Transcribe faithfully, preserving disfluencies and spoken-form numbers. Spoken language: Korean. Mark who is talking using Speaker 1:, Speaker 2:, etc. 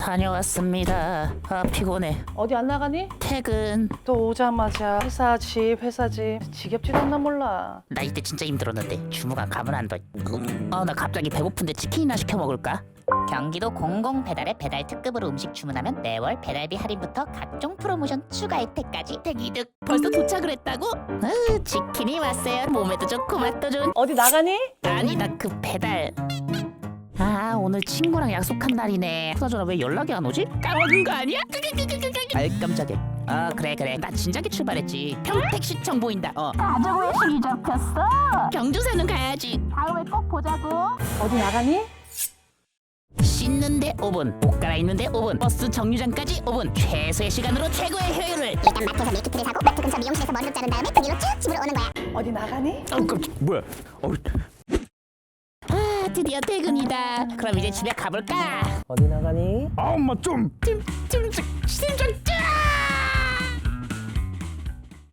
Speaker 1: 다녀왔습니다. 아 피곤해.
Speaker 2: 어디 안 나가니?
Speaker 1: 퇴근.
Speaker 2: 또 오자마자 회사 집 회사 집 지겹지도 않나 몰라.
Speaker 1: 나 이때 진짜 힘들었는데 주무관 가면 안 돼. 음. 아나 갑자기 배고픈데 치킨이나 시켜 먹을까?
Speaker 3: 경기도 공공배달의 배달 특급으로 음식 주문하면 매월 배달비 할인부터 각종 프로모션 추가 혜택까지
Speaker 1: 대기득. 벌써 도착을 했다고? 으, 치킨이 왔어요. 몸에도 좋고 맛도 좋은.
Speaker 2: 어디 나가니?
Speaker 1: 아니 나 그 배달. 아 오늘 친구랑 약속한 날이네. 그나저나 왜 연락이 안 오지? 까먹은 거 아니야? 아이 깜짝이야. 아 그래 그래 나 진작에 출발했지. 평택시청 보인다. 어.
Speaker 3: 가족회식이 잡혔어.
Speaker 1: 경주사는 가야지.
Speaker 3: 다음에 꼭 보자고.
Speaker 2: 어디 나가니?
Speaker 1: 씻는데 오 분, 옷 갈아입는데 오 분, 버스 정류장까지 오 분. 최소의 시간으로 최고의 효율을.
Speaker 3: 일단 마트에서 밀키트를 사고 마트 근처 미용실에서 머리를 자른 다음에 그 뒤로 쭉 집으로 오는 거야.
Speaker 2: 어디 나가니?
Speaker 1: 아 깜짝 뭐야? 어. 아 드디어 퇴근이다. 그럼 이제 집에 가볼까?
Speaker 2: 어디 나가니?
Speaker 4: 아 엄마 좀
Speaker 1: 좀, 좀, 좀 심장